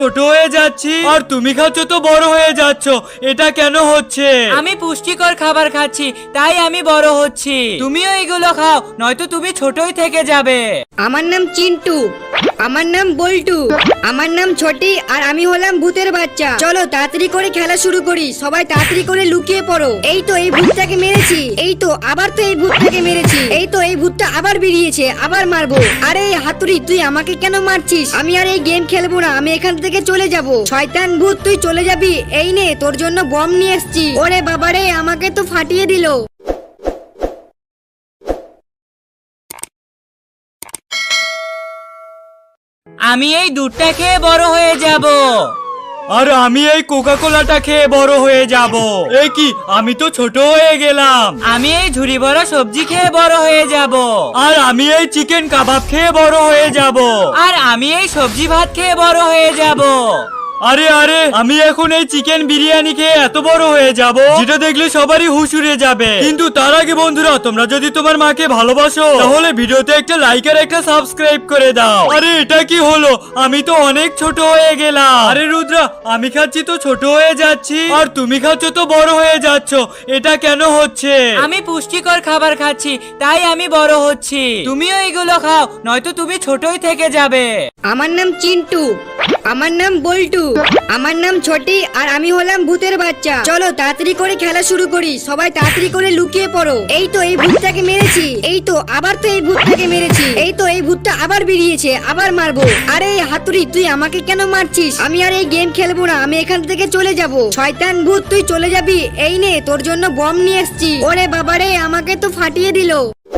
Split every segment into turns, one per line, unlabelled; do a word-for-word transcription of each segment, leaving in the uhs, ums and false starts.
ছোট হয়ে যাচ্ছি আর তুমি খাচ্ছ তো বড় হয়ে যাচ্ছ, এটা কেন হচ্ছে?
আমি পুষ্টিকর খাবার খাচ্ছি তাই আমি বড় হচ্ছি। তুমিও এগুলো খাও, নয়তো তুমি ছোটই থেকে যাবে।
আমার নাম চিন্টু, আমার নাম বল্টু, আমার নাম ছোটি, আর আমি হলাম ভূতের বাচ্চা। চলো তাড়াতাড়ি করে খেলা শুরু করি, সবাই তাড়াতাড়ি করে লুকিয়ে পড়ো। এই তো এই ভূতটাকে মেরেছি, এই তো আবার তো এই ভূতটাকে মেরেছি, এই তো এই ভূতটা আবার বেরিয়েছে, আবার মারবো। আরে হাতুড়ি, তুই আমাকে কেন মারছিস? আমি আর এই গেম খেলবো না, আমি এখান থেকে চলে যাব। শয়তান ভূত, তুই চলে যাবি? এই নে, তোর জন্য বম নিয়ে এসেছি। ওরে বাবারে, আমাকে তো ফাটিয়ে দিল।
আমি এই দুধটা খেয়ে বড় হয়ে যাব।
আর আমি এই কোকা কোলাটা খেয়ে বড় হয়ে যাব। এ কি, আমি তো ছোট হয়ে গেলাম।
আমি এই ঝুড়ি ভরা সবজি খেয়ে বড় হয়ে যাব।
আর আমি এই চিকেন কাবাব খেয়ে বড় হয়ে যাব।
আর আমি এই সবজি ভাত খেয়ে বড় হয়ে যাব।
আরে আরে, আমি এখন এই চিকেন বিরিয়ানি খেয়ে এত বড় হয়ে যাব, যেটা দেখলে সবারই হুশ উড়ে যাবে। কিন্তু তার আগে বন্ধুরা, তোমরা যদি তোমার মাকে ভালোবাসো তাহলে ভিডিওতে একটা লাইক আর একটা সাবস্ক্রাইব করে দাও। আরে এটা কি হলো? আমি তো অনেক ছোট হয়ে গেলাম। আরে রুদ্রা, আমি খাচ্ছি তো ছোট হয়ে যাচ্ছি আর তুমি খাচ্ছ তো বড় হয়ে যাচ্ছ, এটা কেন হচ্ছে?
আমি পুষ্টিকর খাবার খাচ্ছি তাই আমি বড় হচ্ছি। তুমিও এগুলো খাও, নয়তো তুমি ছোটই থেকে যাবে।
আমার নাম চিন্টু, আমার নাম বল্টু, আমার নাম ছোটি, আর আমি হলাম ভূতের বাচ্চা। চলো তাড়াতাড়ি করে খেলা শুরু করি, সবাই তাড়াতাড়ি করে লুকিয়ে পড়ো। এই তো এই ভূতটাকে মেরেছি, এই তো আবার তো এই ভূতটাকে মেরেছি, এই তো এই ভূতটা আবার বেরিয়েছে, আবার মারবো। আরে হাতুড়ি, তুই আমাকে কেন মারছিস? আমি আর এই গেম খেলবো না, আমি এখান থেকে চলে যাব। শয়তান ভূত, তুই চলে যাবি? এই নে, তোর জন্য বম নিয়ে এসেছি। ওরে বাবারে, আমাকে তো ফাটিয়ে দিল।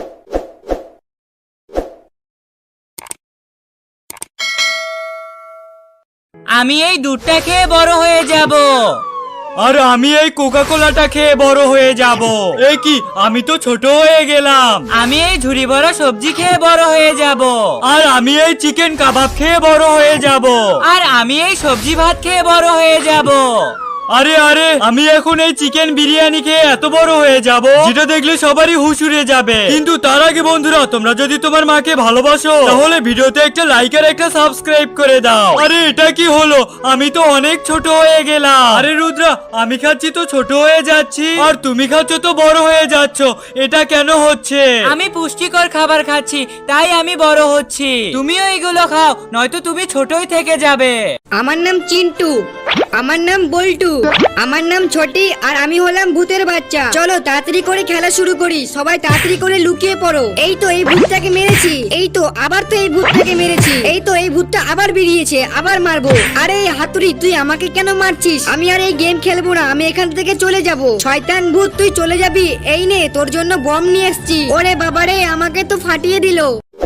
আমি এই দুধটা খেয়ে বড় হয়ে যাব।
আর আমি এই কোকা কোলাটা খেয়ে বড় হয়ে যাব। এ কি, আমি তো ছোট হয়ে গেলাম।
আমি এই ঝুড়ি ভরা সবজি খেয়ে বড় হয়ে যাব।
আর আমি এই চিকেন কাবাব খেয়ে বড় হয়ে যাব।
আর আমি এই সবজি ভাত খেয়ে বড় হয়ে যাব।
আরে আরে, আমি এখন এই চিকেন বিরিয়ানি খেয়ে এত বড় হয়ে যাব, যেটা দেখলে সবারই হুশ উড়ে যাবে। কিন্তু তার আগে বন্ধুরা, তোমরা যদি তোমার মাকে ভালোবাসো তাহলে ভিডিওতে একটা লাইক আর একটা সাবস্ক্রাইব করে দাও। আরে এটা কি হলো? আমি তো অনেক ছোট হয়ে গেলাম। আরে রুদ্রা, আমি খাচ্ছি তো ছোট হয়ে যাচ্ছি আর তুমি খাচ্ছ তো বড় হয়ে যাচ্ছ, এটা কেন হচ্ছে?
আমি পুষ্টিকর খাবার খাচ্ছি তাই আমি বড় হচ্ছি। তুমিও এগুলো খাও, নয়তো তুমি ছোটই থেকে যাবে।
আমার নাম চিন্টু, আমার নাম বল্টু, আমার নাম ছোটি, আর আমি হলাম ভূতের বাচ্চা। চলো তাড়াতাড়ি করে খেলা শুরু করি, সবাই তাড়াতাড়ি করে লুকিয়ে পড়ো। এই তো এই ভূতটাকে মেরেছি, এই তো আবার তো এই ভূতটাকে মেরেছি, এই তো এই ভূতটা আবার বেরিয়েছে, আবার মারবো। আরে হাতুড়ি, তুই আমাকে কেন মারছিস? আমি আর এই গেম খেলবো না, আমি এখান থেকে চলে যাব। শয়তান ভূত, তুই চলে যাবি? এই নে, তোর জন্য বম নিয়ে এসেছি। ওরে বাবারে, আমাকে তো ফাটিয়ে দিল।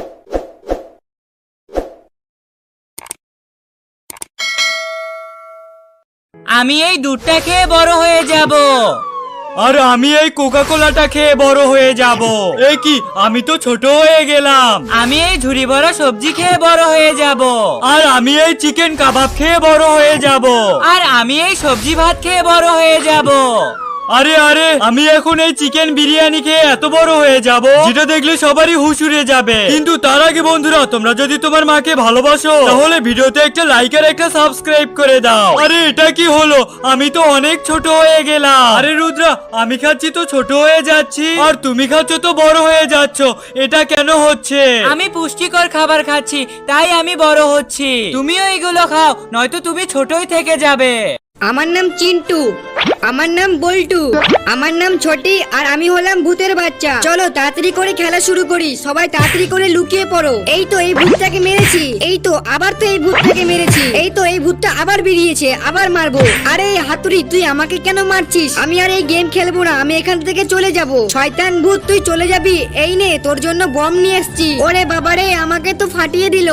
আমি এই দুধটা খেয়ে বড় হয়ে যাব।
আর আমি এই কোকা কোলাটা খেয়ে বড় হয়ে যাব। এ কি, আমি তো ছোট হয়ে গেলাম।
আমি এই ঝুড়ি ভরা সবজি খেয়ে বড় হয়ে যাব।
আর আমি এই চিকেন কাবাব খেয়ে বড় হয়ে যাব।
আর আমি এই সবজি ভাত খেয়ে বড় হয়ে যাব।
আরে আরে, আমি এখন এই চিকেন বিরিয়ানি খেয়ে এত বড় হয়ে যাব, যেটা দেখলে সবারই হুশ উড়ে যাবে। কিন্তু তার আগে বন্ধুরা, তোমরা যদি তোমার মাকে ভালোবাসো তাহলে ভিডিওতে একটা লাইক আর একটা সাবস্ক্রাইব করে দাও। আরে এটা কি হলো? আমি তো অনেক ছোট হয়ে গেলাম। আরে রুদ্রা, আমি খাচ্ছি তো ছোট হয়ে যাচ্ছি আর তুমি খাচ্ছ তো বড় হয়ে যাচ্ছ, এটা কেন হচ্ছে?
আমি পুষ্টিকর খাবার খাচ্ছি তাই আমি বড় হচ্ছি। তুমিও এগুলো খাও, নয়তো তুমি ছোটই থেকে যাবে।
আমার নাম চিন্টু, আমার নাম বল্টু, আমার নাম ছোটি, আর আমি হলাম ভূতের বাচ্চা। চলো তাড়াতাড়ি করে খেলা শুরু করি, সবাই তাড়াতাড়ি করে লুকিয়ে পড়ো। এই তো এই ভূতটাকে মেরেছি, এই তো আবার তো এই ভূতটাকে মেরেছি, এই তো এই ভূতটা আবার বেরিয়েছে, আবার মারবো। আরে হাতুড়ি, তুই আমাকে কেন মারছিস? আমি আর এই গেম খেলবো না, আমি এখান থেকে চলে যাব। শয়তান ভূত, তুই চলে যাবি? এই নে, তোর জন্য বম নিয়ে এসেছি। ওরে বাবারে, আমাকে তো ফাটিয়ে দিল।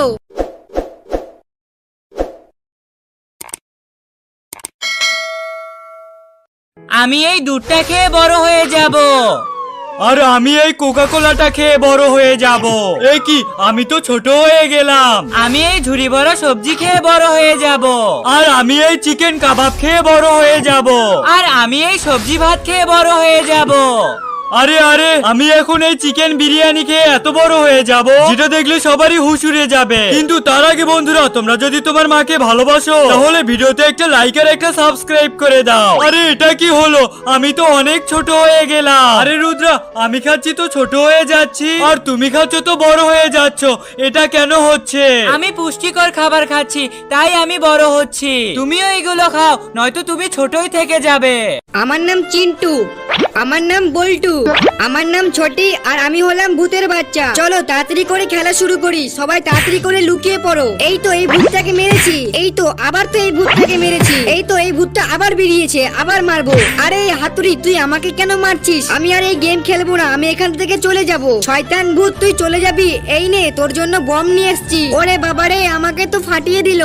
আমি এই দুধটা খেয়ে বড় হয়ে যাব।
আর আমি এই কোকা কোলাটা খেয়ে বড় হয়ে যাব। এ কি, আমি তো ছোট হয়ে গেলাম।
আমি এই ঝুড়ি ভরা সবজি খেয়ে বড় হয়ে যাব।
আর আমি এই চিকেন কাবাব খেয়ে বড় হয়ে যাব।
আর আমি এই সবজি ভাত খেয়ে বড় হয়ে যাব।
আরে আরে আমি এখন এই চিকেন বিরিয়ানি খেয়ে এত বড় হয়ে যাব যেটা দেখলে সবারই হুশ উড়ে যাবে। কিন্তু তার আগে বন্ধুরা, তোমরা যদি তোমার মাকে ভালোবাসো তাহলে ভিডিওতে একটা লাইক আর একটা সাবস্ক্রাইব করে দাও। আরে এটা কি হলো? আমি তো অনেক ছোট হয়ে গেলাম। আরে রুদ্রা, আমি খাচ্ছি তো ছোট হয়ে যাচ্ছি, আর তুমি খাচ্ছ তো বড় হয়ে যাচ্ছ। এটা কেন হচ্ছে?
আমি পুষ্টিকর খাবার খাচ্ছি তাই আমি বড় হচ্ছি। তুমিও এগুলো খাও, নয়তো তুমি ছোটই থেকে যাবে।
আমার নাম চিন্টু, আমার নাম বল্টু, আমার নাম ছোটি, আর আমি হলাম ভূতের বাচ্চা। চলো তাড়াতাড়ি করে খেলা শুরু করি, সবাই তাড়াতাড়ি করে লুকিয়ে পড়ো। এই তো এই ভূতটাকে মেরেছি, এই তো আবার তো এই ভূতটাকে মেরেছি, এই তো এই ভূতটা আবার বেরিয়েছে, আবার মারবো। আরে হাতুড়ি, তুই আমাকে কেন মারছিস? আমি আর এই গেম খেলবো না, আমি এখান থেকে চলে যাব। শয়তান ভূত, তুই চলে যাবি? এই নে, তোর জন্য বম নিয়ে এসেছি। ওরে বাবারে, আমাকে তো ফাটিয়ে দিল।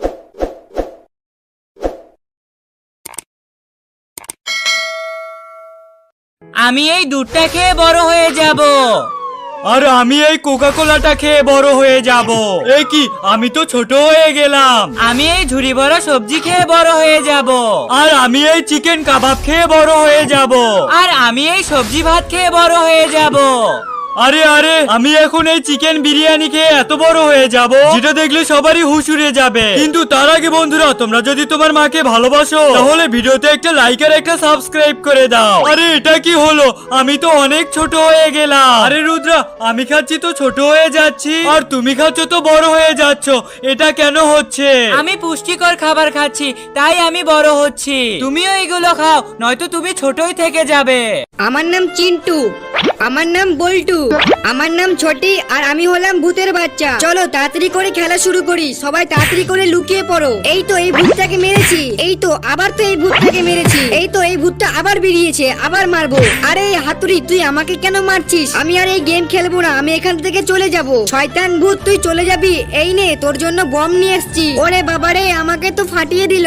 আমি এই দুধটা খেয়ে বড় হয়ে যাব।
আর আমি এই কোকা কোলাটা খেয়ে বড় হয়ে যাব। এ কি, আমি তো ছোট হয়ে গেলাম।
আমি এই ঝুড়ি বড় সবজি খেয়ে বড় হয়ে যাব।
আর আমি এই চিকেন কাবাব খেয়ে বড় হয়ে যাব।
আর আমি এই সবজি ভাত খেয়ে বড় হয়ে যাব।
আরে আরে আমি এখন এই চিকেন বিরিয়ানি খেয়ে এত বড় হয়ে যাব যেটা দেখলে সবারই হুশ উড়ে যাবে। কিন্তু তার আগে বন্ধুরা, তোমরা যদি তোমার মাকে ভালোবাসো তাহলে ভিডিওতে একটা লাইক আর একটা সাবস্ক্রাইব করে দাও। আরে এটা কি হলো? আমি তো অনেক ছোট হয়ে গেলাম। আরে রুদ্রা, আমি খাচ্ছি তো ছোট হয়ে যাচ্ছি, আর তুমি খাচ্ছ তো বড় হয়ে যাচ্ছ। এটা কেন হচ্ছে?
আমি পুষ্টিকর খাবার খাচ্ছি তাই আমি বড় হচ্ছি। তুমিও এগুলো খাও, নয়তো তুমি ছোটই থেকে যাবে।
আমার নাম চিন্টু, আমার নাম বল্টু, আমার নাম ছোটি, আর আমি হলাম ভূতের বাচ্চা। চলো তাড়াতাড়ি করে খেলা শুরু করি, সবাই তাড়াতাড়ি করে লুকিয়ে পড়ো। এই তো এই ভূতটাকে মেরেছি, এই তো আবার তো এই ভূতটাকে মেরেছি, এই তো এই ভূতটা আবার বেরিয়েছে, আবার মারবো। আরে হাতুড়ি, তুই আমাকে কেন মারছিস? আমি আর এই গেম খেলবো না, আমি এখান থেকে চলে যাব। শয়তান ভূত, তুই চলে যাবি? এই নে, তোর জন্য বম নিয়ে এসেছি। ওরে বাবারে, আমাকে তো ফাটিয়ে দিল।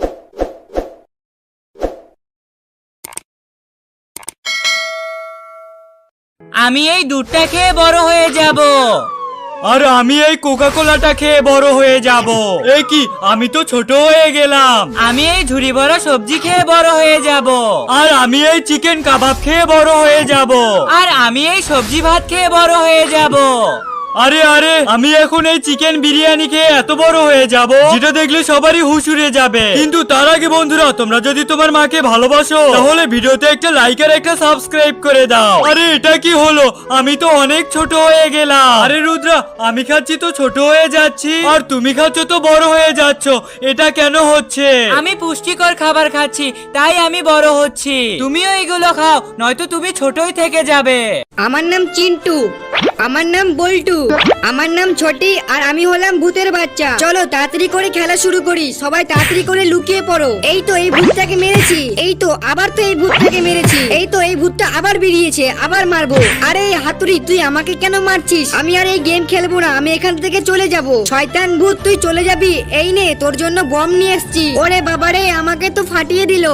আমি এই দুধটা খেয়ে বড় হয়ে যাব।
আর আমি এই কোকা কোলাটা খেয়ে বড় হয়ে যাব। এ কি, আমি তো ছোট হয়ে গেলাম।
আমি এই ঝুড়ি বড় সবজি খেয়ে বড় হয়ে যাব।
আর আমি এই চিকেন কাবাব খেয়ে বড় হয়ে যাব।
আর আমি এই সবজি ভাত খেয়ে বড় হয়ে যাব।
আরে আরে আমি এখন এই চিকেন বিরিয়ানি খেয়ে এত বড় হয়ে যাব যেটা দেখলে সবারই হুশ উড়ে যাবে। কিন্তু তার আগে বন্ধুরা, তোমরা যদি তোমার মাকে ভালোবাসো তাহলে ভিডিওতে একটা লাইক আর একটা সাবস্ক্রাইব করে দাও। আরে এটা কি হলো? আমি তো অনেক ছোট হয়ে গেলাম। আরে রুদ্রা, আমি খাচ্ছি তো ছোট হয়ে যাচ্ছি, আর তুমি খাচ্ছ তো বড় হয়ে যাচ্ছ। এটা কেন হচ্ছে?
আমি পুষ্টিকর খাবার খাচ্ছি তাই আমি বড় হচ্ছি। তুমিও এগুলো খাও, নয়তো তুমি ছোটই থেকে যাবে।
আমার নাম চিন্টু, আমার নাম বল্টু, আমার নাম ছোটি, আর আমি হলাম ভূতের বাচ্চা। চলো তাড়াতাড়ি করে খেলা শুরু করি, সবাই তাড়াতাড়ি করে লুকিয়ে পড়ো। এই তো এই ভূতটাকে মেরেছি, এই তো আবার তো এই ভূতটাকে মেরেছি, এই তো এই ভূতটা আবার বেরিয়েছে, আবার মারবো। আরে হাতুড়ি, তুই আমাকে কেন মারছিস? আমি আর এই গেম খেলবো না, আমি এখান থেকে চলে যাব। শয়তান ভূত, তুই চলে যাবি? এই নে, তোর জন্য বম নিয়ে এসেছি। ওরে বাবারে, আমাকে তো ফাটিয়ে দিল।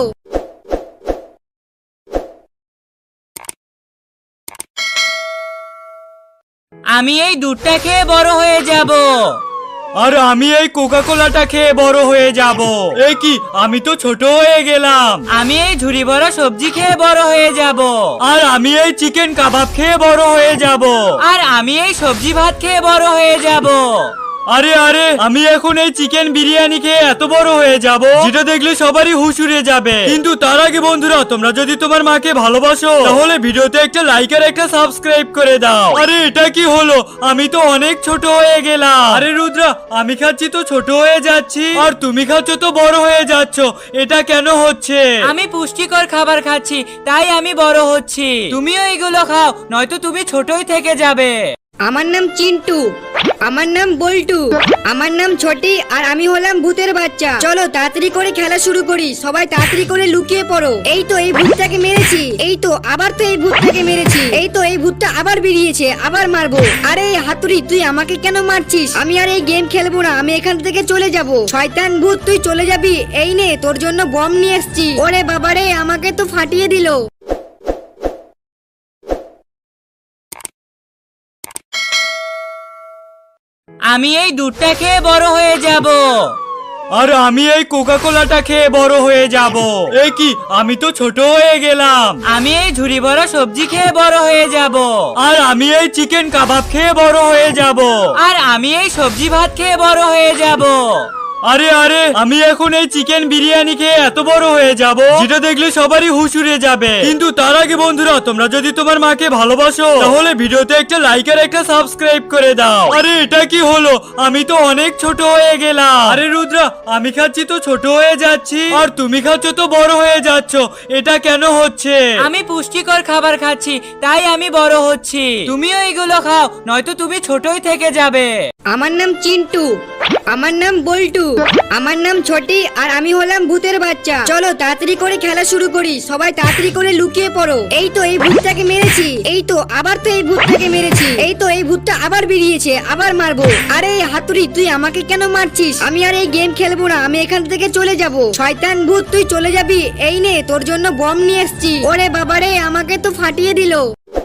আমি এই দুধটা খেয়ে বড় হয়ে যাব।
আর আমি এই কোকা কোলাটা খেয়ে বড় হয়ে যাব। এ কি, আমি তো ছোট হয়ে গেলাম।
আমি এই ঝুড়ি বড় সবজি খেয়ে বড় হয়ে যাব।
আর আমি এই চিকেন কাবাব খেয়ে বড় হয়ে যাব।
আর আমি এই সবজি ভাত খেয়ে বড় হয়ে যাব।
আরে আরে আমি এখন এই চিকেন বিরিয়ানি খেয়ে এত বড় হয়ে যাব যেটা দেখলে সবারই হুশ উড়ে যাবে। কিন্তু তার আগে বন্ধুরা, তোমরা যদি তোমার মাকে ভালোবাসো তাহলে ভিডিওতে একটা লাইক আর একটা সাবস্ক্রাইব করে দাও। আরে এটা কি হলো? আমি তো অনেক ছোট হয়ে গেলাম। আরে রুদ্রা, আমি খাচ্ছি তো ছোট হয়ে যাচ্ছি, আর তুমি খাচ্ছ তো বড় হয়ে যাচ্ছ। এটা কেন হচ্ছে?
আমি পুষ্টিকর খাবার খাচ্ছি তাই আমি বড় হচ্ছি। তুমিও এগুলো খাও, নয়তো তুমি ছোটই থেকে যাবে।
আমার নাম চিন্টু, আমার নাম বল্টু, আমার নাম ছোটি, আর আমি হলাম ভূতের বাচ্চা। চলো তাড়াতাড়ি করে খেলা শুরু করি, সবাই তাড়াতাড়ি করে লুকিয়ে পড়ো। এই তো এই ভূতটাকে মেরেছি, এই তো আবার তো এই ভূতটাকে মেরেছি, এই তো এই ভূতটা আবার বেরিয়েছে, আবার মারবো। আরে হাতুড়ি, তুই আমাকে কেন মারছিস? আমি আর এই গেম খেলবো না, আমি এখান থেকে চলে যাব। শয়তান ভূত, তুই চলে যাবি? এই নে, তোর জন্য বম নিয়ে এসেছি। ওরে বাবারে, আমাকে তো ফাটিয়ে দিল।
আমি এই দুধটা খেয়ে বড় হয়ে যাব।
আর আমি এই কোকা কোলাটা খেয়ে বড় হয়ে যাব। এ কি, আমি তো ছোট হয়ে গেলাম।
আমি এই ঝুড়ি ভরা সবজি খেয়ে বড় হয়ে যাব।
আর আমি এই চিকেন কাবাব খেয়ে বড় হয়ে যাব।
আর আমি এই সবজি ভাত খেয়ে বড় হয়ে যাব।
আরে আরে, আমি এখন এই চিকেন বিরিয়ানি খেয়ে এত বড় হয়ে যাব যেটা দেখলে সবারই হুশ উড়ে যাবে। কিন্তু তার আগে বন্ধুরা, তোমরা যদি তোমার মাকে ভালোবাসো তাহলে ভিডিওতে একটা লাইক আর একটা সাবস্ক্রাইব করে দাও। আরে এটা কি হলো, আমি তো অনেক ছোট হয়ে গেলাম। আরে রুদ্রা, আমি খাচ্ছি তো ছোট হয়ে যাচ্ছি, আর তুমি খাচ্ছ তো বড় হয়ে যাচ্ছ। এটা কেন হচ্ছে?
আমি পুষ্টিকর খাবার খাচ্ছি, তাই আমি বড় হচ্ছি। তুমিও এগুলো খাও, নয়তো তুমি ছোটই থেকে যাবে।
আমার নাম চিন্টু, আমার নাম বল্টু, আমার নাম ছোটি, আর আমি হলাম ভূতের বাচ্চা। চলো তাড়াতাড়ি করে খেলা শুরু করি, সবাই তাড়াতাড়ি করে লুকিয়ে পড়ো। এই তো এই ভূতটাকে মেরেছি, এই তো আবার তো এই ভূতটাকে মেরেছি, এই তো এই ভূতটা আবার বেরিয়েছে, আবার মারবো। আরে এই হাতুড়ি, তুই আমাকে কেন মারছিস? আমি আর এই গেম খেলবো না, আমি এখান থেকে চলে যাব। শয়তান ভূত, তুই চলে যাবি? এই নে, তোর জন্য বম নিয়ে এসেছি। ওরে বাবারে, আমাকে তো ফাটিয়ে দিল।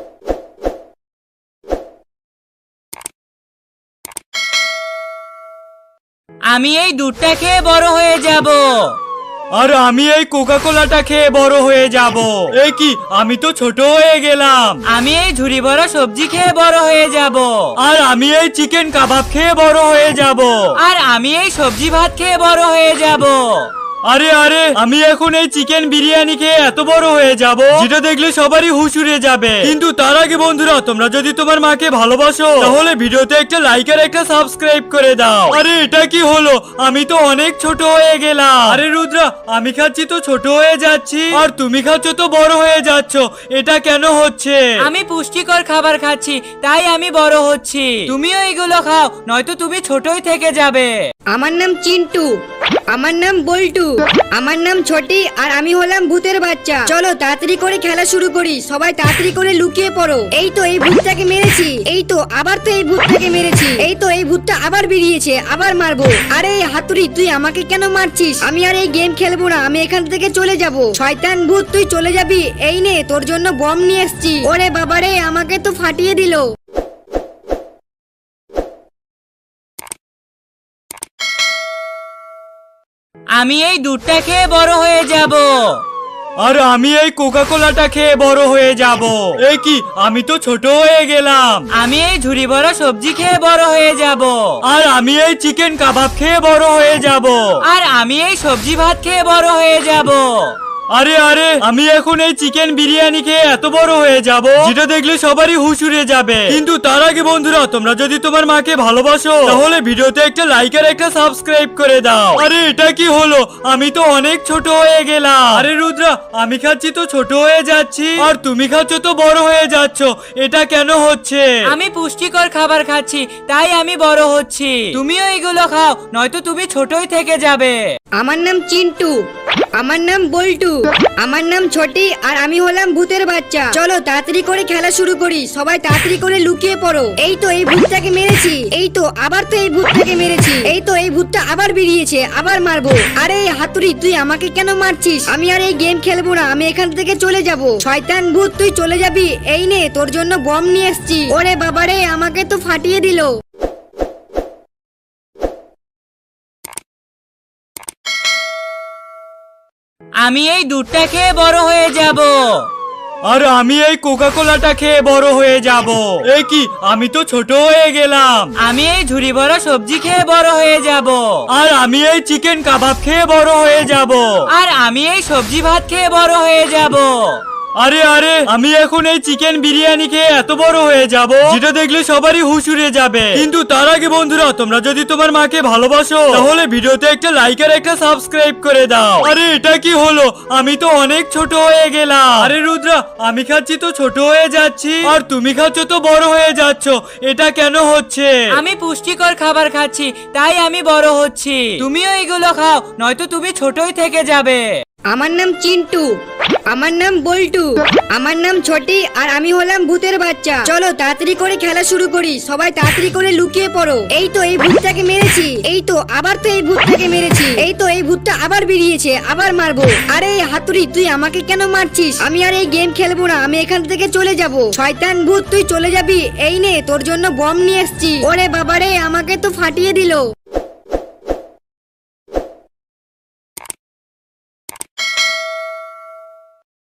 আমি এই দুধটা খেয়ে বড় হয়ে যাব।
আর আমি এই কোকা কোলাটা খেয়ে বড় হয়ে যাব। এ কি, আমি তো ছোট হয়ে গেলাম।
আমি এই ঝুড়ি ভরা সবজি খেয়ে বড় হয়ে যাব।
আর আমি এই চিকেন কাবাব খেয়ে বড় হয়ে যাব।
আর আমি এই সবজি ভাত খেয়ে বড় হয়ে যাব।
আরে আরে, আমি এখন এই চিকেন বিরিয়ানি খেয়ে এত বড় হয়ে যাব যেটা দেখলে সবারই হুশ উড়ে যাবে। কিন্তু তার আগে বন্ধুরা, তোমরা যদি তোমার মাকে ভালোবাসো তাহলে ভিডিওতে একটা লাইক আর একটা সাবস্ক্রাইব করে দাও। আরে এটা কি হলো, আমি তো অনেক ছোট হয়ে গেলাম। আরে রুদ্রা, আমি খাচ্ছি তো ছোট হয়ে যাচ্ছি, আর তুমি খাচ্ছ তো বড় হয়ে যাচ্ছ। এটা কেন হচ্ছে?
আমি পুষ্টিকর খাবার খাচ্ছি, তাই আমি বড় হচ্ছি। তুমিও এগুলো খাও, নয়তো তুমি ছোটই থেকে যাবে।
আমার নাম চিন্টু, আমার নাম বল্টু, আমার নাম ছোটি, আর আমি হলাম ভূতের বাচ্চা। চলো তাড়াতাড়ি করে খেলা শুরু করি, সবাই তাড়াতাড়ি করে লুকিয়ে পড়ো। এই তো এই ভূতটাকে মেরেছি, এই তো আবার তো এই ভূতটাকে মেরেছি, এই তো এই ভূতটা আবার বেরিয়েছে, আবার মারবো। আরে এই হাতুড়ি, তুই আমাকে কেন মারছিস? আমি আর এই গেম খেলবো না, আমি এখান থেকে চলে যাব। শয়তান ভূত, তুই চলে যাবি? এই নে, তোর জন্য বম নিয়ে এসেছি। ওরে বাবারে, আমাকে তো ফাটিয়ে দিল।
আমি এই দুধটা খেয়ে বড় হয়ে যাব।
আর আমি এই কোকা কোলাটা খেয়ে বড় হয়ে যাব। এ কি, আমি তো ছোট হয়ে গেলাম।
আমি এই ঝুড়ি ভরা সবজি খেয়ে বড় হয়ে যাব।
আর আমি এই চিকেন কাবাব খেয়ে বড় হয়ে যাব।
আর আমি এই সবজি ভাত খেয়ে বড় হয়ে যাব।
আরে আরে, আমি এখন এই চিকেন বিরিয়ানি খেয়ে এত বড় হয়ে যাব যেটা দেখলে সবারই হুশ উড়ে যাবে। কিন্তু তার আগে বন্ধুরা, তোমরা যদি তোমার মাকে ভালোবাসো তাহলে ভিডিওতে একটা লাইক আর একটা সাবস্ক্রাইব করে দাও। আরে এটা কি হলো, আমি তো অনেক ছোট হয়ে গেলাম। আরে রুদ্রা, আমি খাচ্ছি তো ছোট হয়ে যাচ্ছি, আর তুমি খাচ্ছ তো বড় হয়ে যাচ্ছ। এটা কেন হচ্ছে?
আমি পুষ্টিকর খাবার খাচ্ছি, তাই আমি বড় হচ্ছি। তুমিও এগুলো খাও, নয়তো তুমি ছোটই থেকে যাবে।
আমার নাম চিন্টু, আমার নাম বল্টু, আমার নাম ছোটি, আর আমি হলাম ভূতের বাচ্চা। চলো তাড়াতাড়ি করে খেলা শুরু করি, সবাই তাড়াতাড়ি করে লুকিয়ে পড়ো। এই তো এই ভূতটাকে মেরেছি, এই তো আবার তো এই ভূতটাকে মেরেছি, এই তো এই ভূতটা আবার বেরিয়েছে, আবার মারবো। আরে এই হাতুড়ি, তুই আমাকে কেন মারছিস? আমি আর এই গেম খেলবো না, আমি এখান থেকে চলে যাব। শয়তান ভূত, তুই চলে যাবি? এই নে, তোর জন্য বম নিয়ে এসেছি। ওরে বাবারে, আমাকে তো ফাটিয়ে দিল।
আমি এই দুধটা খেয়ে বড় হয়ে যাব।
আর আমি এই কোকা কোলাটা খেয়ে বড় হয়ে যাব। এ কি, আমি তো ছোট হয়ে গেলাম।
আমি এই ঝুড়ি ভরা সবজি খেয়ে বড় হয়ে যাব।
আর আমি এই চিকেন কাবাব খেয়ে বড় হয়ে যাব।
আর আমি এই সবজি ভাত খেয়ে বড় হয়ে যাব।
আরে আরে, আমি এখন এই চিকেন বিরিয়ানি খেয়ে এত বড় হয়ে যাব যেটা দেখলে সবারই হুশ উড়ে যাবে। কিন্তু তার আগে বন্ধুরা, তোমরা যদি তোমার মাকে ভালোবাসো তাহলে ভিডিওতে একটা লাইক আর একটা সাবস্ক্রাইব করে দাও। আরে এটা কি হলো, আমি তো অনেক ছোট হয়ে গেলাম। আরে রুদ্রা, আমি খাচ্ছি তো ছোট হয়ে যাচ্ছি, আর তুমি খাচ্ছ তো বড় হয়ে যাচ্ছ। এটা কেন হচ্ছে?
আমি পুষ্টিকর খাবার খাচ্ছি, তাই আমি বড় হচ্ছি। তুমিও এগুলো খাও, নয়তো তুমি ছোটই থেকে যাবে।
আমার নাম চিন্টু, আমার নাম বল্টু, আমার নাম ছোটি, আর আমি হলাম ভূতের বাচ্চা। চলো তাড়াতাড়ি করে খেলা শুরু করি, সবাই তাড়াতাড়ি করে লুকিয়ে পড়ো। এই তো এই ভূতটাকে মেরেছি, এই তো আবার তো এই ভূতটাকে মেরেছি, এই তো এই ভূতটা আবার বেরিয়েছে, আবার মারবো। আরে এই হাতুড়ি, তুই আমাকে কেন মারছিস? আমি আর এই গেম খেলবো না, আমি এখান থেকে চলে যাব। শয়তান ভূত, তুই চলে যাবি? এই নে, তোর জন্য বম নিয়ে এসেছি। ওরে বাবারে, আমাকে তো ফাটিয়ে দিল।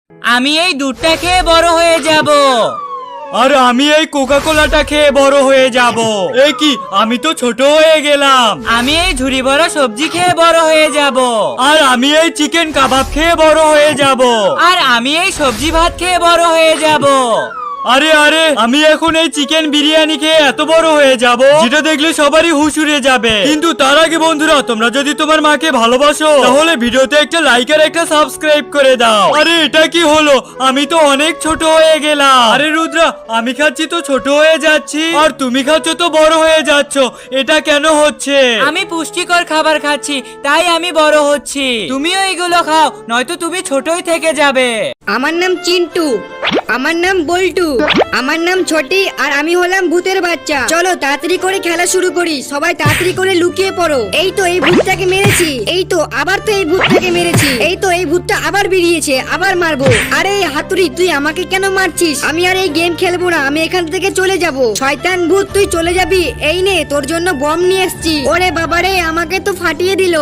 আমি এই দুধটা খেয়ে বড় হয়ে যাব।
আর আমি এই কোকা কোলাটা খেয়ে বড় হয়ে যাব। এ কি, আমি তো ছোট হয়ে গেলাম।
আমি এই ঝুড়ি ভরা সবজি খেয়ে বড় হয়ে যাব।
আর আমি এই চিকেন কাবাব খেয়ে বড় হয়ে যাব।
আর আমি এই সবজি ভাত খেয়ে বড় হয়ে যাব।
আরে আরে, আমি এখন এই চিকেন বিরিয়ানি খেয়ে এত বড় হয়ে যাব, যেটা দেখলে সবারই হুশ উড়ে যাবে। কিন্তু তার আগে বন্ধুরা, তোমরা যদি তোমার মাকে ভালোবাসো তাহলে ভিডিওতে একটা লাইক আর একটা সাবস্ক্রাইব করে দাও। আরে এটা কি হলো, আমি তো অনেক ছোট হয়ে গেলাম। আরে রুদ্রা, আমি খাচ্ছি তো ছোট হয়ে যাচ্ছি, আর তুমি খাচ্ছ তো বড় হয়ে যাচ্ছ। এটা কেন হচ্ছে?
আমি পুষ্টিকর খাবার খাচ্ছি, তাই আমি বড় হচ্ছি। তুমিও এগুলো খাও, নয়তো তুমি ছোটই থেকে যাবে।
আমার নাম চিন্টু, আমার নাম বল্টু, আমার নাম ছোটি, আর আমি হলাম ভূতের বাচ্চা। চলো তাড়াতাড়ি করে খেলা শুরু করি, সবাই তাড়াতাড়ি করে লুকিয়ে পড়ো। এই তো এই ভূতটাকে মেরেছি, এই তো আবার তো এই ভূতটাকে মেরেছি, এই তো এই ভূতটা আবার বেরিয়েছে, আবার মারবো। আরে এই হাতুড়ি, তুই আমাকে কেন মারছিস? আমি আর এই গেম খেলবো না, আমি এখান থেকে চলে যাব। শয়তান ভূত, তুই চলে যাবি? এই নে, তোর জন্য বম নিয়ে এসেছি। ওরে বাবারে, আমাকে তো ফাটিয়ে দিল।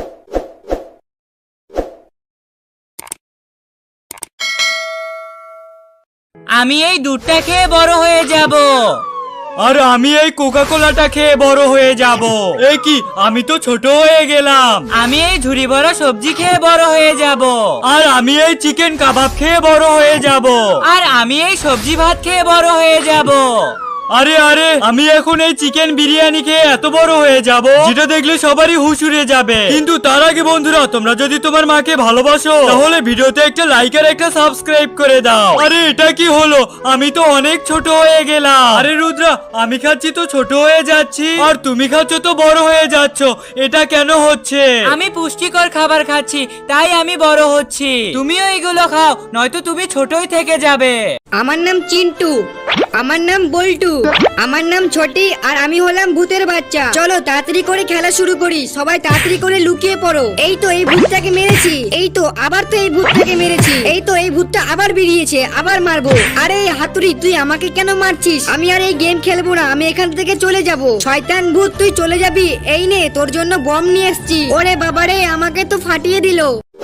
আমি এই দুধটা খেয়ে বড় হয়ে যাব।
আর আমি এই কোকা কোলাটা খেয়ে বড় হয়ে যাব। এ কি, আমি তো ছোট হয়ে গেলাম।
আমি এই ঝুড়ি ভরা সবজি খেয়ে বড় হয়ে যাব।
আর আমি এই চিকেন কাবাব খেয়ে বড় হয়ে যাব।
আর আমি এই সবজি ভাত খেয়ে বড় হয়ে যাব।
আরে আরে, আমি এখন এই চিকেন বিরিয়ানি খেয়ে এত বড় হয়ে যাব, যেটা দেখলে সবারই হুশ উড়ে যাবে। কিন্তু তার আগে বন্ধুরা, তোমরা যদি তোমার মাকে ভালোবাসো তাহলে ভিডিওতে একটা লাইক আর একটা সাবস্ক্রাইব করে দাও। আরে এটা কি হলো, আমি তো অনেক ছোট হয়ে গেলাম। আরে রুদ্রা, আমি খাচ্ছি তো ছোট হয়ে যাচ্ছি, আর তুমি খাচ্ছ তো বড় হয়ে যাচ্ছ। এটা কেন হচ্ছে?
আমি পুষ্টিকর খাবার খাচ্ছি, তাই আমি বড় হচ্ছি। তুমিও এগুলো খাও, নয়তো তুমি ছোটই থেকে যাবে।
আমার নাম চিন্টু, আমার নাম বল্টু, আমার নাম ছোটি, আর আমি হলাম ভূতের বাচ্চা। চলো তাড়াতাড়ি করে খেলা শুরু করি, সবাই তাড়াতাড়ি করে লুকিয়ে পড়ো। এই তো এই ভূতটাকে মেরেছি, এই তো আবার তো এই ভূতটাকে মেরেছি, এই তো এই ভূতটা আবার বেরিয়েছে, আবার মারবো। আরে এই হাতুড়ি, তুই আমাকে কেন মারছিস? আমি আর এই গেম খেলবো না, আমি এখান থেকে চলে যাব। শয়তান ভূত, তুই চলে যাবি? এই নে, তোর জন্য বম নিয়ে এসেছি। ওরে বাবারে, আমাকে তো ফাটিয়ে দিল।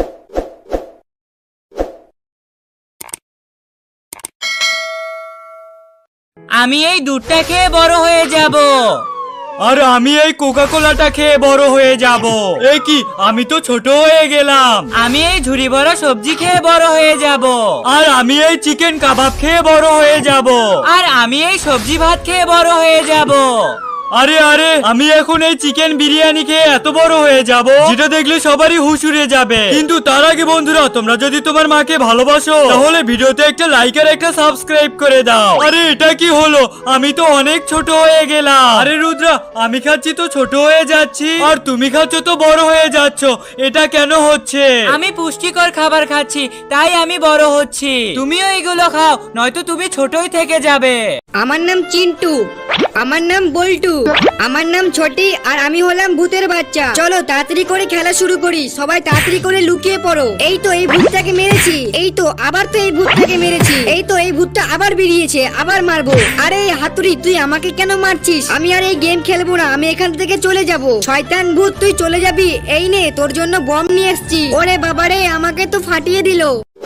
আমি এই দুধটা খেয়ে বড় হয়ে যাব।
আর আমি এই কোকা কোলাটা খেয়ে বড় হয়ে যাব। এ কি, আমি তো ছোট হয়ে গেলাম।
আমি এই ঝুড়ি ভরা সবজি খেয়ে বড় হয়ে যাব।
আর আমি এই চিকেন কাবাব খেয়ে বড় হয়ে যাব।
আর আমি এই সবজি ভাত খেয়ে বড় হয়ে যাব।
আরে আরে, আমি এখন এই চিকেন বিরিয়ানি খেয়ে এত বড় হয়ে যাব, যেটা দেখলে সবারই হুশ উড়ে যাবে। কিন্তু তার আগে বন্ধুরা, তোমরা যদি তোমার মাকে ভালোবাসো তাহলে ভিডিওতে একটা লাইক আর একটা সাবস্ক্রাইব করে দাও। আরে এটা কি হলো, আমি তো অনেক ছোট হয়ে গেলাম। আরে রুদ্রা, আমি খাচ্ছি তো ছোট হয়ে যাচ্ছি, আর তুমি খাচ্ছ তো বড় হয়ে যাচ্ছ। এটা কেন হচ্ছে?
আমি পুষ্টিকর খাবার খাচ্ছি, তাই আমি বড় হচ্ছি। তুমিও এগুলো খাও, নয়তো তুমি ছোটই থেকে যাবে।
আমার নাম চিন্টু, আমার নাম বল্টু, আমার নাম ছোটি, আর আমি হলাম ভূতের বাচ্চা। চলো তাড়াতাড়ি করে খেলা শুরু করি, সবাই তাড়াতাড়ি করে লুকিয়ে পড়ো। এই তো এই ভূতটাকে মেরেছি, এই তো আবার তো এই ভূতটাকে মেরেছি, এই তো এই ভূতটা আবার বেরিয়েছে, আবার মারবো। আরে এই হাতুড়ি, তুই আমাকে কেন মারছিস? আমি আর এই গেম খেলবো না, আমি এখান থেকে চলে যাব। শয়তান ভূত, তুই চলে যাবি? এই নে, তোর জন্য বম নিয়ে এসেছি। ওরে বাবারে, আমাকে তো ফাটিয়ে দিল।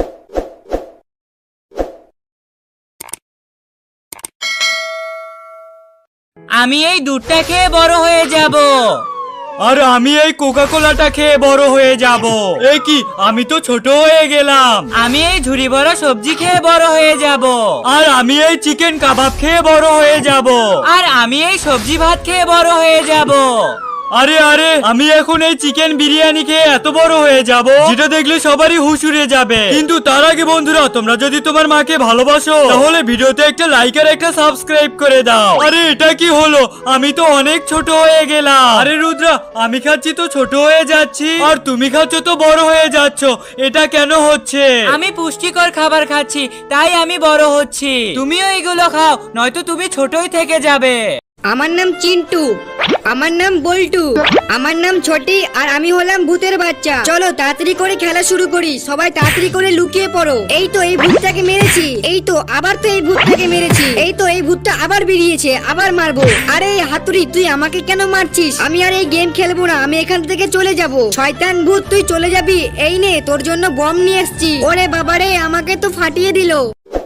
আমি এই দুধটা খেয়ে বড় হয়ে যাব।
আর আমি এই কোকা কোলাটা খেয়ে বড় হয়ে যাব। এ কি, আমি তো ছোট হয়ে গেলাম।
আমি এই ঝুড়ি ভরা সবজি খেয়ে বড় হয়ে যাব।
আর আমি এই চিকেন কাবাব খেয়ে বড় হয়ে যাব।
আর আমি এই সবজি ভাত খেয়ে বড় হয়ে যাব।
আরে আরে, আমি এখন এই চিকেন বিরিয়ানি খেয়ে এত বড় হয়ে যাব, যেটা দেখলে সবারই হুশ উড়ে যাবে। কিন্তু তার আগে বন্ধুরা, তোমরা যদি তোমার মাকে ভালোবাসো তাহলে ভিডিওতে একটা লাইক আর একটা সাবস্ক্রাইব করে দাও। আরে এটা কি হলো, আমি তো অনেক ছোট হয়ে গেলাম। আরে রুদ্রা, আমি খাচ্ছি তো ছোট হয়ে যাচ্ছি, আর তুমি খাচ্ছ তো বড় হয়ে যাচ্ছ। এটা কেন হচ্ছে?
আমি পুষ্টিকর খাবার খাচ্ছি, তাই আমি বড় হচ্ছি। তুমিও এগুলো খাও, নয়তো তুমি ছোটই থেকে যাবে।
আমার নাম চিন্টু। আমার নাম বল্টু। আমার নাম ছোটি আর আমি হলাম ভূতের বাচ্চা। চলো তাড়াতাড়ি করে খেলা শুরু করি, সবাই তাড়াতাড়ি করে লুকিয়ে পড়ো। এই তো এই ভূতটাকে মেরেছি, এই তো আবার তো এই ভূতটাকে মেরেছি, এই তো এই ভূতটা আবার বেরিয়েছে, আবার মারবো। আরে হাতুড়ি তুই আমাকে কেন মারছিস? আমি আর এই গেম খেলবো না, আমি এখান থেকে চলে যাব। শয়তান ভূত তুই চলে যাবি? এই নে তোর জন্য বম নিয়ে এসেছি। ওরে বাবারে আমাকে তো ফাটিয়ে দিল।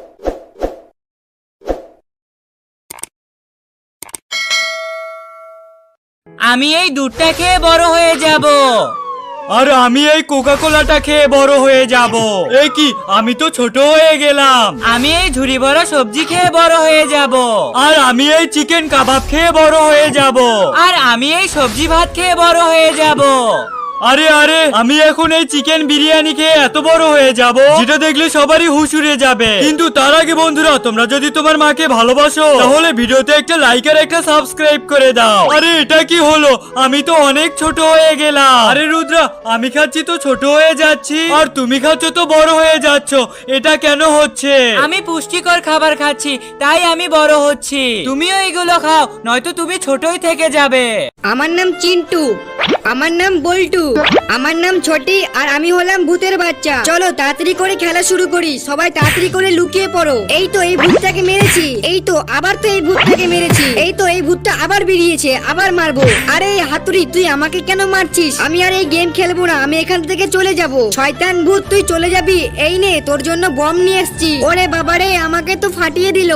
আমি এই দুধটা খেয়ে বড় হয়ে যাব।
আর আমি এই কোকা কোলাটা খেয়ে বড় হয়ে যাব। এ কি, আমি তো ছোট হয়ে গেলাম।
আমি এই ঝুড়ি বড় সবজি খেয়ে বড় হয়ে যাব।
আর আমি এই চিকেন কাবাব খেয়ে বড় হয়ে যাব।
আর আমি এই সবজি ভাত খেয়ে বড় হয়ে যাব।
আরে আরে, আমি এখন এই চিকেন বিরিয়ানি খেয়ে এত বড় হয়ে যাব যেটা দেখলে সবারই হুশ উড়ে যাবে। কিন্তু তার আগে বন্ধুরা, তোমরা যদি তোমার মাকে ভালোবাসো তাহলে ভিডিওতে একটা লাইক আর একটা সাবস্ক্রাইব করে দাও। আরে এটা কি হলো? আমি তো অনেক ছোট হয়ে গেলাম। আরে রুদ্রা, আমি খাচ্ছি তো ছোট হয়ে যাচ্ছি, আর তুমি খাচ্ছ তো বড় হয়ে যাচ্ছ। এটা কেন হচ্ছে?
আমি পুষ্টিকর খাবার খাচ্ছি, তাই আমি বড় হচ্ছি। তুমিও এগুলো খাও, নয়তো তুমি ছোটই থেকে যাবে।
আমার নাম চিন্টু। আমার নাম বল্টু। আমার নাম ছোটি আর আমি হলাম ভূতের বাচ্চা। চলো তাড়াতাড়ি করে খেলা শুরু করি, সবাই তাড়াতাড়ি করে লুকিয়ে পড়ো। এই তো এই ভূতটাকে মেরেছি, এই তো আবার তো এই ভূতটাকে মেরেছি, এই তো এই ভূতটা আবার বেরিয়েছে, আবার মারবো। আরে হাতুড়ি তুই আমাকে কেন মারছিস? আমি আর এই গেম খেলবো না, আমি এখান থেকে চলে যাব। শয়তান ভূত তুই চলে যাবি? এই নে তোর জন্য বম নিয়ে এসেছি। ওরে বাবারে আমাকে তো ফাটিয়ে দিল।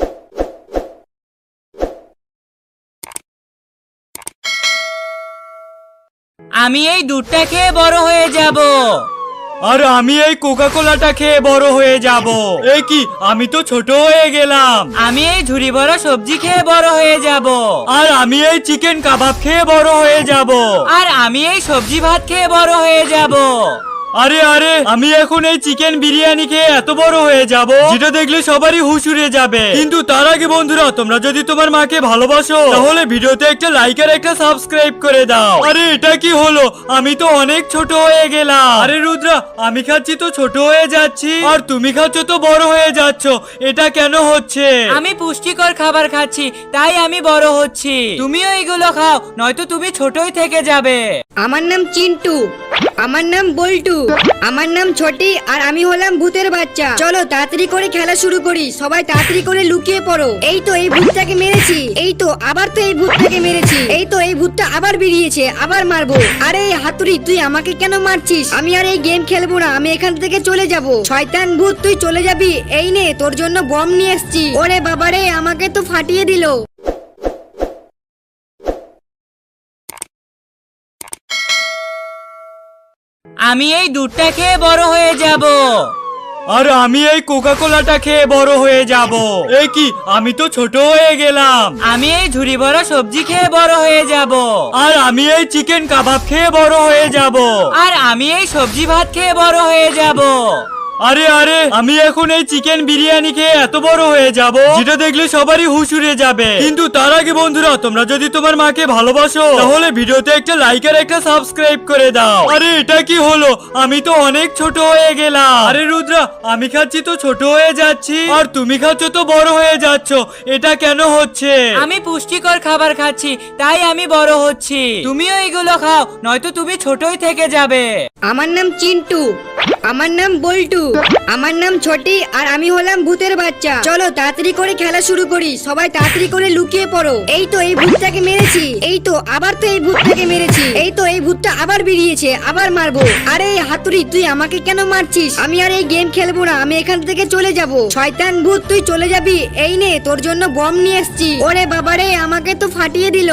আমি এই দুধটা খেয়ে বড় হয়ে যাব।
আর আমি এই কোকা কোলাটা খেয়ে বড় হয়ে যাব। এ কি, আমি তো ছোট হয়ে গেলাম।
আমি এই ঝুড়ি বড় সবজি খেয়ে বড় হয়ে যাব।
আর আমি এই চিকেন কাবাব খেয়ে বড় হয়ে যাব।
আর আমি এই সবজি ভাত খেয়ে বড় হয়ে যাব।
আরে আরে, আমি এখন এই চিকেন বিরিয়ানি খেয়ে এত বড় হয়ে যাব যেটা দেখলে সবারই হুশ উড়ে যাবে। কিন্তু তার আগে বন্ধুরা, তোমরা যদি তোমার মাকে ভালোবাসো তাহলে ভিডিওতে একটা লাইক আর একটা সাবস্ক্রাইব করে দাও। আরে এটা কি হলো? আমি তো অনেক ছোট হয়ে গেলাম। আরে রুদ্রা, আমি খাচ্ছি তো ছোট হয়ে যাচ্ছি, আর তুমি খাচ্ছ তো বড় হয়ে যাচ্ছ। এটা কেন হচ্ছে?
আমি পুষ্টিকর খাবার খাচ্ছি, তাই আমি বড় হচ্ছি। তুমিও এগুলো খাও, নয়তো তুমি ছোটই থেকে যাবে।
আমার নাম চিন্টু। আমার নাম বল্টু। আমার নাম ছোটি আর আমি হলাম ভূতের বাচ্চা। চলো তাড়াতাড়ি করে খেলা শুরু করি, সবাই তাড়াতাড়ি করে লুকিয়ে পড়ো। এই তো এই ভূতটাকে মেরেছি, এই তো আবার তো এই ভূতটাকে মেরেছি, এই তো এই ভূতটা আবার বেরিয়েছে, আবার মারবো। আরে হাতুড়ি তুই আমাকে কেন মারছিস? আমি আর এই গেম খেলবো না, আমি এখান থেকে চলে যাব। শয়তান ভূত তুই চলে যাবি? এই নে তোর জন্য বম নিয়ে এসেছি। ওরে বাবারে আমাকে তো ফাটিয়ে দিল।
আমি এই দুধটা খেয়ে বড় হয়ে যাব।
আর আমি এই কোকা কোলাটা খেয়ে বড় হয়ে যাব। এ কি, আমি তো ছোট হয়ে গেলাম।
আমি এই ঝুড়ি বড় সবজি খেয়ে বড় হয়ে যাব।
আর আমি এই চিকেন কাবাব খেয়ে বড় হয়ে যাব।
আর আমি এই সবজি ভাত খেয়ে বড় হয়ে যাব।
আরে আরে, আমি এখন এই চিকেন বিরিয়ানি খেয়ে এত বড় হয়ে যাব যেটা দেখলে সবারই হুশ উড়ে যাবে। কিন্তু তার আগে বন্ধুরা, তোমরা যদি তোমার মাকে ভালোবাসো তাহলে ভিডিওতে একটা লাইক আর একটা সাবস্ক্রাইব করে দাও। আরে এটা কি হলো? আমি তো অনেক ছোট হয়ে গেলাম। আরে রুদ্রা, আমি খাচ্ছি তো ছোট হয়ে যাচ্ছি, আর তুমি খাচ্ছ তো বড় হয়ে যাচ্ছ। এটা কেন হচ্ছে?
আমি পুষ্টিকর খাবার খাচ্ছি, তাই আমি বড় হচ্ছি। তুমিও এগুলো খাও, নয়তো তুমি ছোটই থেকে যাবে।
আমার নাম চিন্টু। আমার নাম বল্টু। আমার নাম ছোটি আর আমি হলাম ভূতের বাচ্চা। চলো তাড়াতাড়ি করে খেলা শুরু করি, সবাই তাড়াতাড়ি করে লুকিয়ে পড়ো। এই তো এই ভূতটাকে মেরেছি, এই তো আবার তো এই ভূতটাকে মেরেছি, এই তো এই ভূতটা আবার বেরিয়েছে, আবার মারবো। আরে হাতুড়ি তুই আমাকে কেন মারছিস? আমি আর এই গেম খেলবো না, আমি এখান থেকে চলে যাব। শয়তান ভূত তুই চলে যাবি? এই নে তোর জন্য বম নিয়ে এসেছি। ওরে বাবারে আমাকে তো ফাটিয়ে দিল।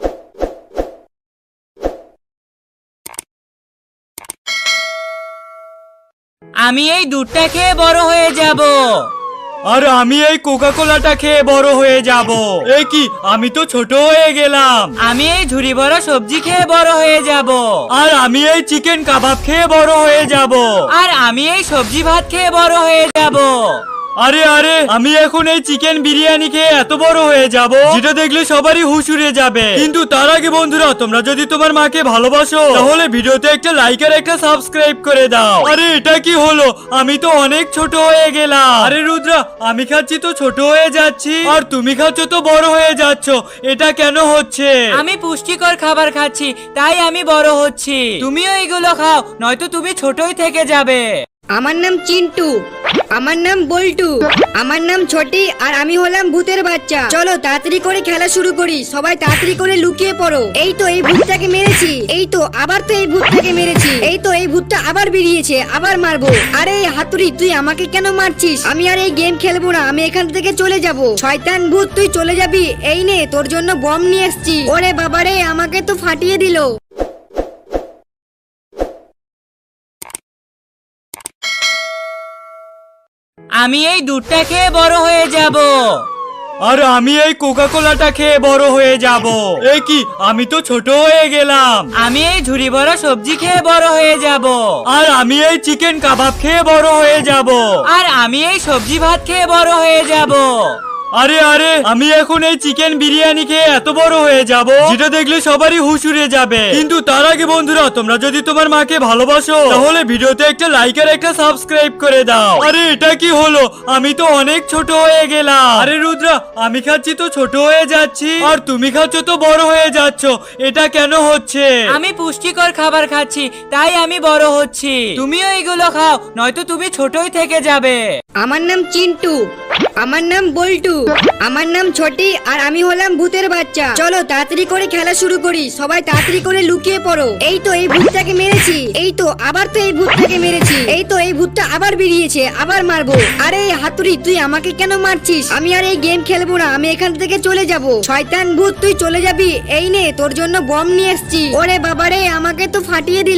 আমি এই দুধটা খেয়ে বড় হয়ে যাব।
আর আমি এই কোকা কোলাটা খেয়ে বড় হয়ে যাব। এ কি, আমি তো ছোট হয়ে গেলাম।
আমি এই ঝুড়ি বড় সবজি খেয়ে বড় হয়ে যাব।
আর আমি এই চিকেন কাবাব খেয়ে বড় হয়ে যাব।
আর আমি এই সবজি ভাত খেয়ে বড় হয়ে যাব।
আরে আরে আমি এখন এই চিকেন বিরিয়ানি খেয়ে এত বড় হয়ে যাব যেটা দেখলে সবারই হুশ উড়ে যাবে। কিন্তু তার আগে বন্ধুরা, তোমরা যদি তোমার মাকে ভালোবাসো তাহলে ভিডিওতে একটা লাইক আর একটা সাবস্ক্রাইব করে দাও। আরে এটা কি হলো? আমি তো অনেক ছোট হয়ে গেলাম। আরে রুদ্রা, আমি খাচ্ছি তো ছোট হয়ে যাচ্ছি, আর তুমি খাচ্ছ তো বড় হয়ে যাচ্ছ। এটা কেন হচ্ছে?
আমি পুষ্টিকর খাবার খাচ্ছি তাই আমি বড় হচ্ছি। তুমিও এগুলো খাও, নয়তো তুমি ছোটই থেকে যাবে।
আমার নাম চিন্টু, আমার নাম বল্টু, আমার নাম ছোটি, আর আমি হলাম ভূতের বাচ্চা। চলো তাড়াতাড়ি করে খেলা শুরু করি, সবাই তাড়াতাড়ি করে লুকিয়ে পড়ো। এই তো এই ভূতটাকে মেরেছি, এই তো আবার তো এই ভূতটাকে মেরেছি, এই তো এই ভূতটা আবার বেরিয়েছে, আবার মারবো। আরে এই হাতুড়ি, তুই আমাকে কেন মারছিস? আমি আর এই গেম খেলবো না, আমি এখান থেকে চলে যাব। শয়তান ভূত, তুই চলে যাবি? এই নে, তোর জন্য বম নিয়ে এসেছি। ওরে বাবারে, আমাকে তো ফাটিয়ে দিল।
আমি এই দুধটা খেয়ে বড় হয়ে যাব।
আর আমি এই কোকা কোলাটা খেয়ে বড় হয়ে যাব। এ কি, আমি তো ছোট হয়ে গেলাম।
আমি এই ঝুড়ি ভরা সবজি খেয়ে বড় হয়ে যাব।
আর আমি এই চিকেন কাবাব খেয়ে বড় হয়ে যাব।
আর আমি এই সবজি ভাত খেয়ে বড় হয়ে যাব।
আরে আরে আমি এখন এই চিকেন বিরিয়ানি খেয়ে এত বড় হয়ে যাব যেটা দেখলে সবারই হুশ উড়ে যাবে। কিন্তু তার আগে বন্ধুরা, তোমরা যদি তোমার মাকে ভালোবাসো তাহলে ভিডিওতে একটা লাইক আর একটা সাবস্ক্রাইব করে দাও। আরে এটা কি হলো? আমি তো অনেক ছোট হয়ে গেলাম। আরে রুদ্রা, আমি খাচ্ছি তো ছোট হয়ে যাচ্ছি, আর তুমি খাচ্ছ তো বড় হয়ে যাচ্ছ। এটা কেন হচ্ছে?
আমি পুষ্টিকর খাবার খাচ্ছি তাই আমি বড় হচ্ছি। তুমিও এগুলো খাও, নয়তো তুমি ছোটই থেকে যাবে।
আমার নাম চিন্টু, আমার নাম বল্টু, আমার নাম ছোটি, আর আমি হলাম ভূতের বাচ্চা। চলো তাড়াতাড়ি করে খেলা শুরু করি, সবাই তাড়াতাড়ি করে লুকিয়ে পড়ো। এই তো এই ভূতটাকে মেরেছি, এই তো আবার তো এই ভূতটাকে মেরেছি, এই তো এই ভূতটা আবার বেরিয়েছে, আবার মারবো। আরে এই হাতুড়ি, তুই আমাকে কেন মারছিস? আমি আর এই গেম খেলবো না, আমি এখান থেকে চলে যাব। শয়তান ভূত, তুই চলে যাবি? এই নে, তোর জন্য বম নিয়ে এসেছি। ওরে বাবারে, আমাকে তো ফাটিয়ে দিল।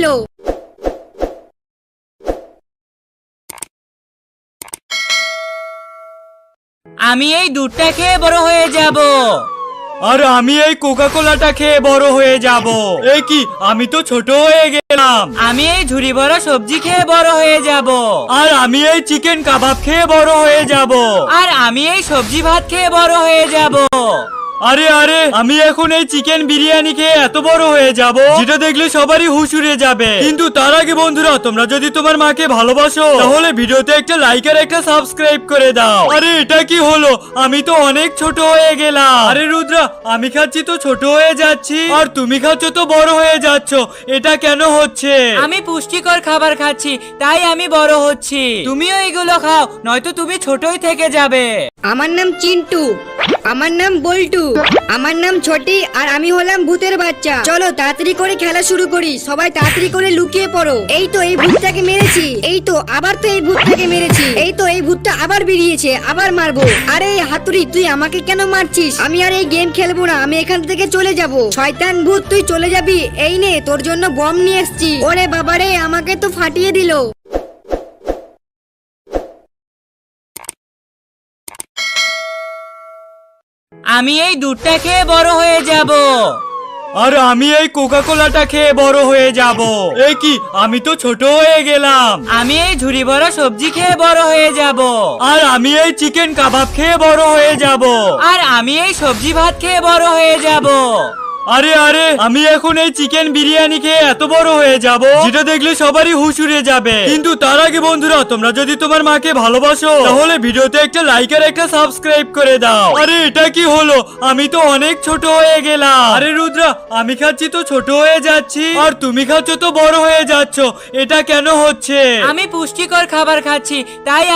আমি এই দুধটা খেয়ে বড় হয়ে যাব।
আর আমি এই কোকা কোলাটা খেয়ে বড় হয়ে যাব। এ কি, আমি তো ছোট হয়ে গেলাম।
আমি এই ঝুড়ি ভরা সবজি খেয়ে বড় হয়ে যাব।
আর আমি এই চিকেন কাবাব খেয়ে বড় হয়ে যাব।
আর আমি এই সবজি ভাত খেয়ে বড় হয়ে যাব।
আরে আরে আমি এখন এই চিকেন বিরিয়ানি খেয়ে এত বড় হয়ে যাব যেটা দেখলে সবারই হুশ উড়ে যাবে। কিন্তু তার আগে বন্ধুরা, তোমরা যদি তোমার মাকে ভালোবাসো তাহলে ভিডিওতে একটা লাইক আর একটা সাবস্ক্রাইব করে দাও। আরে এটা কি হলো? আমি তো অনেক ছোট হয়ে গেলাম। আরে রুদ্রা, আমি খাচ্ছি তো ছোট হয়ে যাচ্ছি, আর তুমি খাচ্ছ তো বড় হয়ে যাচ্ছ। এটা কেন হচ্ছে?
আমি পুষ্টিকর খাবার খাচ্ছি তাই আমি বড় হচ্ছি। তুমিও এগুলো খাও, নয়তো তুমি ছোটই থেকে যাবে।
আমার নাম চিন্টু, আমার নাম বল্টু, আমার নাম ছোটি, আর আমি হলাম ভূতের বাচ্চা। চলো তাড়াতাড়ি করে খেলা শুরু করি, সবাই তাড়াতাড়ি করে লুকিয়ে পড়ো। এই তো এই ভূতটাকে মেরেছি, এই তো আবার তো এই ভূতটাকে মেরেছি, এই তো এই ভূতটা আবার বেরিয়েছে, আবার মারবো। আরে এই হাতুড়ি, তুই আমাকে কেন মারছিস? আমি আর এই গেম খেলবো না, আমি এখান থেকে চলে যাব। শয়তান ভূত, তুই চলে যাবি? এই নে, তোর জন্য বম নিয়ে এসেছি। ওরে বাবারে, আমাকে তো ফাটিয়ে দিল।
আমি এই দুধটা খেয়ে বড় হয়ে যাব।
আর আমি এই কোকা কোলাটা খেয়ে বড় হয়ে যাব। এ কি, আমি তো ছোট হয়ে গেলাম।
আমি এই ঝুড়ি ভরা সবজি খেয়ে বড় হয়ে যাব।
আর আমি এই চিকেন কাবাব খেয়ে বড় হয়ে যাব।
আর আমি এই সবজি ভাত খেয়ে বড় হয়ে যাব।
আরে আরে আমি এখন এই চিকেন বিরিয়ানি খেয়ে এত বড় হয়ে যাব যেটা দেখলে সবারই হুশ উড়ে যাবে। কিন্তু তার আগে বন্ধুরা, তোমরা যদি তোমার মাকে ভালোবাসো তাহলে ভিডিওতে একটা লাইক আর একটা সাবস্ক্রাইব করে দাও। আরে এটা কি হলো? আমি তো অনেক ছোট হয়ে গেলাম। আরে রুদ্রা, আমি খাচ্ছি তো ছোট হয়ে যাচ্ছি, আর তুমি খাচ্ছ তো বড় হয়ে যাচ্ছ। এটা কেন হচ্ছে?
আমি পুষ্টিকর খাবার খাচ্ছি তাই